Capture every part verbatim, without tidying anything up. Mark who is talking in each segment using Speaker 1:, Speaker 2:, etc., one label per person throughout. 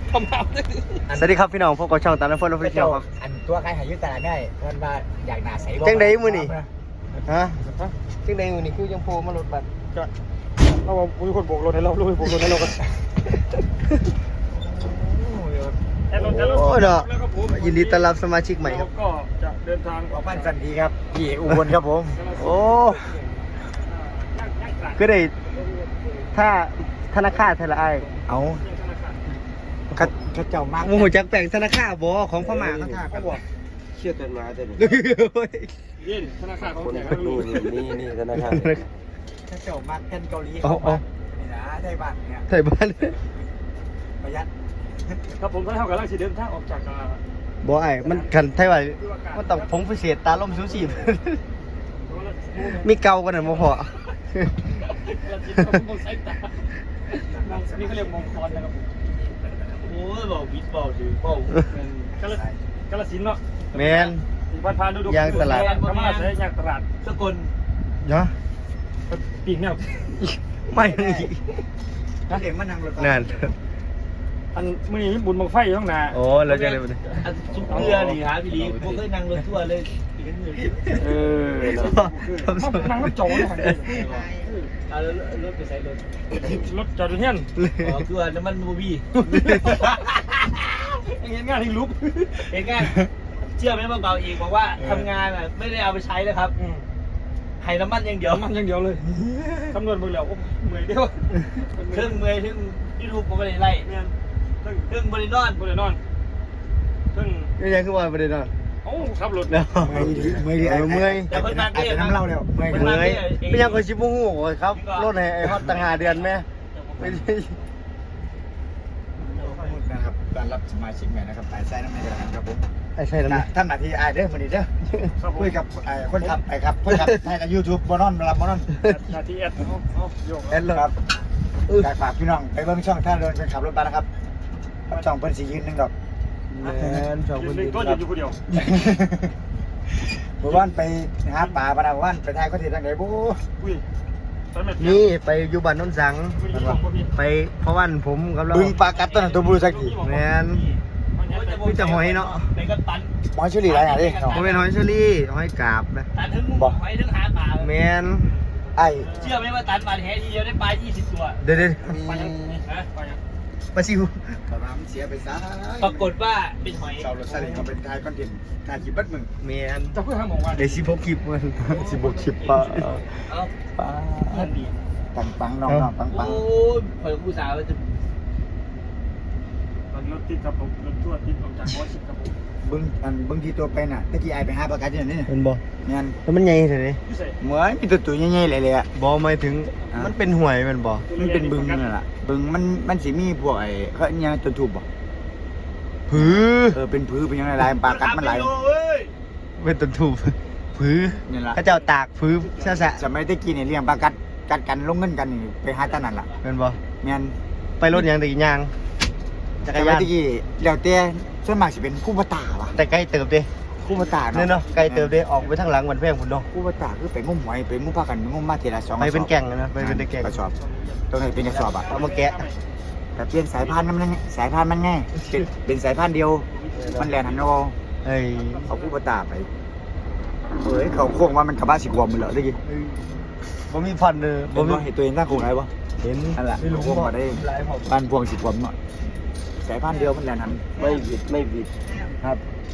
Speaker 1: ทำมา
Speaker 2: สวัสดีครับพี่น้องพบกับช่องตามน้ำฝนออฟฟิเชียลครับ
Speaker 3: อันตัวใครหายุตลาดได้เพิ่นว่าอยากหนาใสบ่
Speaker 2: จังไดมื้อนี่ฮะจังไดมื้อนี่คือยังโผล่มารถบัสก็เรามีคนโบกรถให้เราลุยโบกรถให้เรากันโอ้เนาะยินดีต้อนรับสมาชิกใหม่ครับ
Speaker 1: ก็จะเดินทาง
Speaker 3: ออกบ้านสันดีครับพี่อุบลครับผม
Speaker 2: โอ้ก็ได้ถ้าธนาคารเท่าไร
Speaker 3: เอาข้าข้าเจ้ามาก
Speaker 2: โมโหจักแปลงธนาคารบ่ของพม่าเขาท่ากันบ่
Speaker 4: เชื่อกันมาแต่นี่
Speaker 1: ยินธนาคารของ
Speaker 4: คน
Speaker 1: แจก
Speaker 4: ก็ดูนี่นี่นี่ธนาคาร
Speaker 3: ข้าเจ้ามากกันเกาหลีเขามานี่นะได้บ้านเนี่ย
Speaker 2: ไทยบ้าน
Speaker 3: ประหยัด
Speaker 1: ครับผมก็เท่ากับร่างสีเดินทางออกจาก
Speaker 2: บ่ไอ้มันกันไทยว่ามันต้องผงพิเศษตาล่มสูสีมีเก่ากันน่ะบ่พอ
Speaker 1: นี่เขาเรียกมงคลนะครับ
Speaker 4: โอ้ยบอกวิทย์บอกถือเป้าก
Speaker 1: าลกาลสินเนาะ
Speaker 2: แมน
Speaker 1: พันพานดูดูธรรมะใช้ยางตลาดสกล
Speaker 2: เนาะ
Speaker 1: ปีกแนว
Speaker 2: ไม่
Speaker 3: เด็กมานั่งรถ
Speaker 2: นั่น
Speaker 1: อันมื่อนี้บุญบังไฟข้างหน้า
Speaker 2: โอ้แล้วจะเลยบ่
Speaker 4: อันซุปเกลือนี่ฮะพี่ลีผมเคยนั่งรถทั่วร์เลย
Speaker 1: เออนั่งรถโจ้เลย
Speaker 4: เอารถไปใส่รถ
Speaker 1: รถจอดอยู่เฮียน
Speaker 4: อ๋อคือว่าน้ำมันบูบี้
Speaker 1: เห็นงานที่ลุก
Speaker 4: เห็นไงเชื่อไหมว่าเบาเองบอกว่าทำงานอ่ะไม่ได้เอาไปใช้เลยครับให้น้ำมันอย่างเดียว
Speaker 1: มันอย่างเดียวเลยคำนวณมือแล้วเมื่อยเดียว
Speaker 4: เครื่องเมื่อยเครื่องยูทูบผมไม่ได้ไล่เครื่องบริโนอน
Speaker 1: บริโนอนซึ่ง
Speaker 2: นี่ยังคือว่าบ่ได้นอน
Speaker 1: โอ้ขับรถ
Speaker 2: แล้ว
Speaker 3: เมื่อยดิเมื่อยดิไอ้เมื่อยแต่น้ำเล่าแล้วเมื่อย
Speaker 2: เมื่อยไม่ยังคนชิบ่ฮู้ครับรถให้ไอ้ฮอดตั้งห้าเดือนแม่ไม่ได้
Speaker 3: นะครับการรับสมาชิกใหม่นะครับไอ้ไส้น้ำมันจะครับผม
Speaker 2: ไอ้ใช่แล้ว
Speaker 3: ท่านหน้าที่ไอ้เด้อวันนี้เด้อคุยกับไอ้คนขับไอ้ครับคนขับให้ในยูทูบบอนอนรับบอนอน
Speaker 1: นาทีแอดโยก
Speaker 3: แอดเลยครับการฝากพี่น้องไปเบิ่งช่องท่านเดินเป็นขับรถบัสนะครับช่องเพิ่นสิยืนหนึ่งดอก
Speaker 2: แม่นสองคน
Speaker 1: ยื
Speaker 2: นี้
Speaker 1: นก็ยืนอยู่คนเดียว
Speaker 3: เมื่อวานไปหาป่าปะนะเมื่อวานไปถ่ายคอนเทนต์ทางไหนบู๊
Speaker 1: อุ้ย
Speaker 2: นี่ไปอยู่บ้านโนนสังไปเพราะวันผมกับเรา
Speaker 3: บึงปลากัดต้นนตัวบูสักที
Speaker 2: แม่นมีแต่หอยเนาะ
Speaker 4: เป็นก็ตัน
Speaker 3: หมอชุลีไรอย่างนี้
Speaker 2: บ่แม่นหอยเชอรี่หอยกาบนะ
Speaker 4: ตันถึงหอยถึงหาปลา
Speaker 2: แม่น
Speaker 3: ไอ้
Speaker 4: เชื่อไหมว่าตันปลาแท้ทีเดียวได้ปลายี่สิบตัว
Speaker 2: เดี๋ยว
Speaker 3: มี
Speaker 1: ไปยังฮะไปยัง
Speaker 2: ๆปลาซิว
Speaker 3: ปลาน้ำเสียไปซะ
Speaker 4: ปรากฏว่าเป็นหอย
Speaker 3: เสารถซาเล้งเขาเป็นถ่ายคอนเทนต์ถ่ายคลิปบัดมึง
Speaker 2: แม่น
Speaker 1: จะเพื่อทำของวัน
Speaker 2: ได้สิบหกคลิปมันสิบหกคลิปปลา
Speaker 4: เอ้า
Speaker 3: ปลา
Speaker 4: ท่านดี
Speaker 3: ปังปังน้องน้องปังปัง
Speaker 4: โอ้ยเปิดผู้สาวจะ
Speaker 1: รถติดกับผมรถทั่วติดออกจากหัวชิดกับผม
Speaker 3: บึงอันบึงที่ตัวไปน่ะตะกี้ไอ้ไปหาปลากัดอยู่นี่
Speaker 2: เห็นบ่
Speaker 3: เงี้ย
Speaker 2: แล้วมันใหญ่เท่าไหร่
Speaker 1: พิเศษ
Speaker 3: เหมือนมีตัวตัวใหญ่ๆเลยเลยอ่ะ
Speaker 2: บ่หมายถึงมันเป็นห่วยแม่นบ่
Speaker 3: มันเป็นบึงนั่นแหละบึงมันมันสิมีพวกไอ้เขาเนี้ยตัวทูบบ่
Speaker 2: ผือ
Speaker 3: เออเป็นพื้นเป็นยังไงลายปลากัดมันไหล
Speaker 2: เป็นต้นทูบผือ
Speaker 3: นี่ละ
Speaker 2: เขาเจ้าตากผือซะซะ
Speaker 3: สมัยตะกี้เนี่ยเลี้ยงปลากัดกัดกันลงเงินกันนี่ไปหาตานั่นล่ะ
Speaker 2: แม่นบ่
Speaker 3: แม่น
Speaker 2: ไปรถหยังตะกี้ย่างจักร
Speaker 3: สมั
Speaker 2: ยาย น
Speaker 3: ตะกี้แล้วแต่ส่วนมากสิเป็นคู่ปตาว่ะ
Speaker 2: แต่ใกล้เติบเด้
Speaker 3: คู่ปตา
Speaker 2: เนี่ยเนาะใกล้เติบเด้ออกไปทางหลังวันแพงพุ่นเนาะ
Speaker 3: คู่ปตาคือไปงมหอยไปงมปลากันไปงมมาทีละสอง
Speaker 2: ไปเป็นแก่งนะไปเป็นแก่ง
Speaker 3: กระสอบตรงไหนเป็นกระสอบอ่ะ
Speaker 2: เอามาแกะ
Speaker 3: แต่เปลี่ยนสายพันธุ์มันสายพันธุ์มันง่ายเป็นเป็นสายพันธุ์เดียวมันแลนหันเอา
Speaker 2: เอ้ย
Speaker 3: เอาคู่ปตาไปเฮ้ยเขาโค้งว่ามันกระบะสิกวมมันเหรอตะกี้
Speaker 2: บ่มีพันเด้อ
Speaker 3: บ่
Speaker 2: บ่มี
Speaker 3: เห็นตัวเองตั้งโค้งไหนบ่
Speaker 2: เห็น
Speaker 3: นั่นแหละ
Speaker 2: ไม่รู้
Speaker 3: โค้ง
Speaker 2: บ่
Speaker 3: มาได้
Speaker 2: หลายหอบ
Speaker 3: บ้านพวงสิกวมหน่อยสายพันธุ์เดียวมันแลนหัน
Speaker 4: ไม่บิดไม่บิด
Speaker 3: ครับ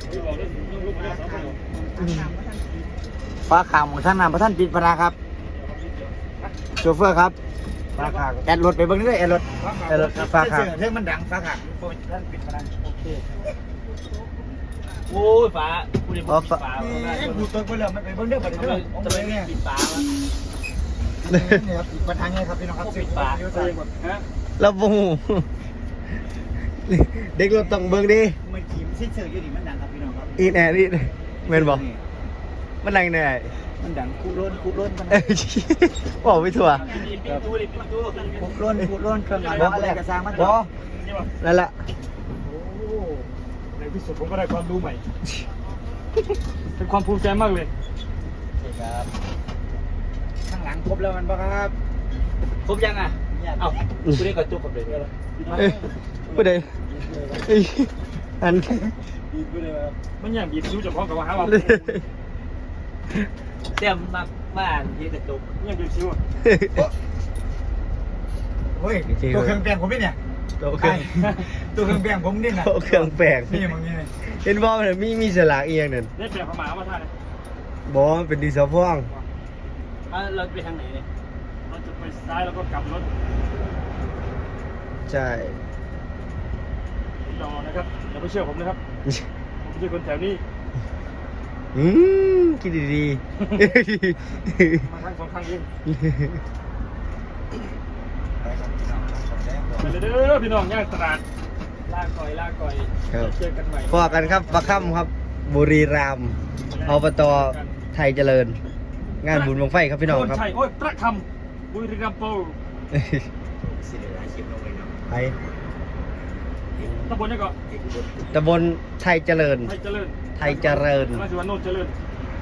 Speaker 3: ฟ้าขาวของท่านนำพระท่านปิดพนาครับโชเฟอร์ครับ
Speaker 2: ฟ้าข้าง
Speaker 3: แอดรถไปเบิ่งนี่เลยแอดรถ
Speaker 2: เออฟ้าข้าง
Speaker 3: เรื่องมันดังฟ้าขาวท่านปิดพนาโอเค
Speaker 4: โอ้ยฟ้าคุณเด็กปิดฟ้า
Speaker 3: นี่ดูตัวไปเลยมันไปเบิ่งเด้อไปเด้อ
Speaker 4: จะไม่ปิดฟ้า
Speaker 3: นี่ครับปิดประทางไงครับพี่น้องครับ
Speaker 4: ปิดฟ้า
Speaker 1: ฮะ
Speaker 2: แล้วบ่ฮู้เด็กรถต้องเบิ่งดิ
Speaker 3: มันขีมซิเซอร์อยู่นี่มันดังครับพี่น้องครับ
Speaker 2: อีแหน่นี่แม่นบ่มันดังแน่
Speaker 3: มันดังคุโรนคุโรนมัน
Speaker 2: เอ้ยบอกไม่ถั่ว
Speaker 4: ปิดตู้ดิปิดตู้
Speaker 3: คุโรนคุโรนเครื่องอะไรอะไรกระซังมัน
Speaker 2: บ่นั่นแหละ
Speaker 1: โอ้ในที่สุดผมก็ได้ความรู้ใหม่ เป็นความภูมิใจมากเลย
Speaker 3: ครับข้างหลังครบแล้วมันบ่ครับ
Speaker 4: ครบยังอ่ะเอ้าคุณเด็กกระจุกกับเด็ก
Speaker 2: เอ้ยผู้ใดเอ้ยอัน
Speaker 1: มันอย่างบีบซิ้วจะพ้องกับว่าหาว่า
Speaker 4: เสียมมามาอ่านยืนกระจก
Speaker 1: มันอย่างบีบซิ้วอะ
Speaker 3: เฮ้ยตัวเครื่องแปลงผมนี่เนี่ย
Speaker 2: ตัวเครื่อง
Speaker 3: ตัวเครื่องแปลงผมนี่นะ
Speaker 2: ตัวเครื่องแปลง
Speaker 3: นี่มึงนี่
Speaker 2: เห็นบ่มันมีมีสลากเอียงนั่น
Speaker 1: ได้แปลงพม่ามาท่าเนี่ย
Speaker 2: บ่มันเป็นดีเซลพ่วง
Speaker 4: อ่ะเราไปทางไหนเนี่ย
Speaker 1: เราจะไปซ้ายแล้วก็กลับรถ
Speaker 2: ใช่
Speaker 1: รอนะครับอย่าไปเชื่อผมนะครับผมไม่ใช่คนแถวนี้
Speaker 2: อืมคิดดี
Speaker 1: มาครั้งสองครั้งเอง
Speaker 2: ๆ
Speaker 1: ไปเลยเด้อพี่น้องย่างตลาดลากก่อยลากก่อย
Speaker 2: ครับ
Speaker 1: เจอกันใหม่
Speaker 2: พอกันครับปลาค่ำครับ บุรีรัมย์อบตไทยเจริญ งานบุญบังไฟครับพี่น้องครับ
Speaker 1: โใช่โอ้ยประคำบุรีรัมย์โปร
Speaker 2: ไป
Speaker 1: ตำบลนี่ก็
Speaker 2: ตำบลไทยเจริญ
Speaker 1: ไทยเจริญ
Speaker 2: ไทยเจริญ
Speaker 1: ราชวัฒน์โนนเจริญ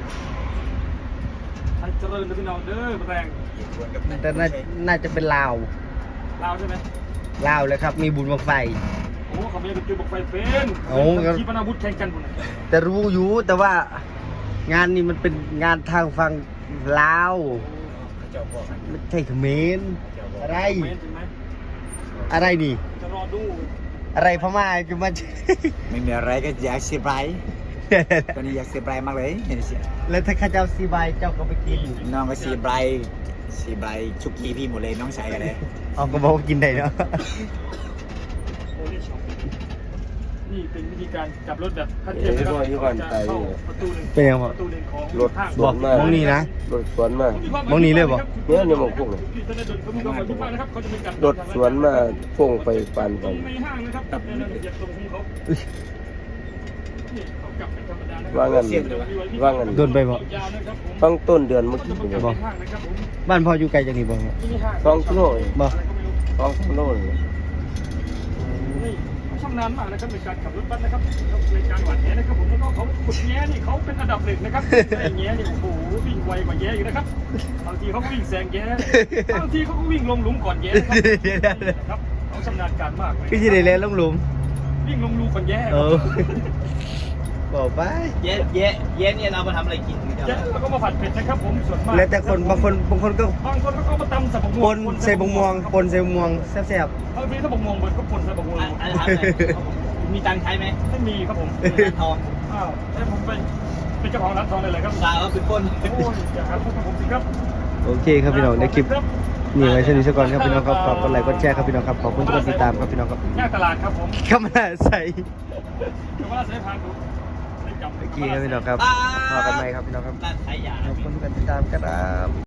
Speaker 1: ไทยเจริญเด้อพี่น้องเด้อแรง
Speaker 2: แต่น่าน่าจะเป็นลาว
Speaker 1: ลาวใช่ไหม
Speaker 2: ลาวเลยครับ มีบุญบังไฟ
Speaker 1: โอ้เขาไม่ได้จุดบอกไฟเป็น
Speaker 2: โอ้ครับ
Speaker 1: ขีปนาวุธแข่งกันบุญ
Speaker 2: แต่รู้อยู่แต่ว่างานนี้มันเป็นงานทางฝั่งลาวไม่ใช่เขมรอะไร
Speaker 1: เมนใช่ไหม
Speaker 2: อะไรนี่
Speaker 1: จะรอดู
Speaker 2: อะไรพม่าจะมา
Speaker 3: ไม่มีอะไรก็อยากเซอร์ไพรส์ตอนนี้อยากเซอร์ไพรส์มากเลยเห็นสิ
Speaker 2: แล้วถ้าข้าเจ้าซีบายเจ้าก็ไปกิน
Speaker 3: น้องก็เซอร์ไพรส์เซอร์ไพรส์ชุกี้พี่หมดเลยน้องชายกันเลย
Speaker 2: เอาก็บอกว่ากินได้เนาะ
Speaker 1: โอ้นี่ช็อปนี่เป็นวิธีการจับรถแบบขั้นเทพนะครับจะเข้าประตูหนึ่ง
Speaker 2: เป็นยังไง
Speaker 1: ประตูหนึ่งของ
Speaker 5: รถ
Speaker 1: ห้าง
Speaker 5: สวนมาก
Speaker 2: มองนี่นะ
Speaker 5: รถสวนมาก
Speaker 2: มองนี่เลยบ่
Speaker 5: เนี่ยเนี่ยมองพวกเลย
Speaker 1: ที่ธนาดลเขามีความหมายทุกบ้านนะครับเขาจะมีการ
Speaker 5: รถสวนมาพุ่งไปปัน
Speaker 1: ต
Speaker 5: กั
Speaker 1: ร
Speaker 5: น
Speaker 1: งในห้างนะครับในรายละเอียดตรงของเขานี่เขากลับเป็นธรรมดานะครั
Speaker 5: ว่างั้นว่างั้น
Speaker 2: โดนไปบ่
Speaker 1: ยาวนะครับผม
Speaker 5: ฟังต้นเดือนเมื่อ
Speaker 1: เขา
Speaker 5: กี้
Speaker 1: จะประกาศ
Speaker 5: เนี่ย
Speaker 1: ในห้างนะครับผม
Speaker 2: บ้านพ่ออยู่ไกลจากนี่บ่ครับ
Speaker 1: ที่นี่ห้าง
Speaker 5: สองกิโล
Speaker 2: บ่
Speaker 1: อะไรก็ไม่รู้
Speaker 5: สองกิโลเลย
Speaker 1: นี่เขาชำนาญมากนะครับในการขับรถบัสนะครับในการหวานแหนะครับผมแล้วก็เขาขุดแย้นี่เขาเป็นอันดับหนึ่งนะครับไอ้แย้นี่โอ้โหวิ่งไวกว่าแย้อีกนะครับบางทีเขาก็วิ่งแซงแย้บางทีเขาก็วิ่งลงหลุมก่อนแย้นะครับเขาชำนาญการมากเลย
Speaker 2: พี่ที่ได้เล่นลงหลุม
Speaker 1: วิ่งลงรูก่อนแย้
Speaker 2: เออบอกไป
Speaker 4: เย้เย้เย้เนี่ยเรามาทำอะไรกินกัน
Speaker 1: แย้แล้วก็มาผัดเผ็ดนะครับผมส่วนมาก
Speaker 2: แล้วแต่คนบางคนบางคนก็
Speaker 1: บางคนก็มาตำใส่บะม่
Speaker 2: ป
Speaker 1: วง
Speaker 2: นใส่บงม่วงปนใส่บงม่วงแซ่บบ
Speaker 1: างทีถ้าบะม่วงเบิดก็ปนใส่บะม่วง
Speaker 4: อ่ะอ่ะถามหน่อยมีตังค์ใช้ไหม
Speaker 1: ไม่มีครับผม
Speaker 4: ร้านทอง
Speaker 1: อ้าวแล้วผมเป็นเป็นเจ้าของร้านทองเลยเหรอครับ
Speaker 4: สาวเป็นคน
Speaker 1: โอ้ยอย่าหาพวกผมสิครับ
Speaker 2: ๆโอเคครับพี่น้องในคลิปนี่ไว้เช่นนี้ซะก่อนครับพี่น้องครับขอบกดไลค์กดแชร์ครับพี่น้องครับขอบคุณทุกคนติดตามครับพี่น้องครับ
Speaker 1: ย่างตลาดครับผม
Speaker 2: เข้ามาใส่
Speaker 1: เดี๋ยวว่าใช้พานดูได้จำ
Speaker 2: โอเคครับพี่น้องครับพอกันไหมครับพี่น้องครับ
Speaker 4: ร้านขายยา
Speaker 2: ขอบคุณทุกคนติดตามครับ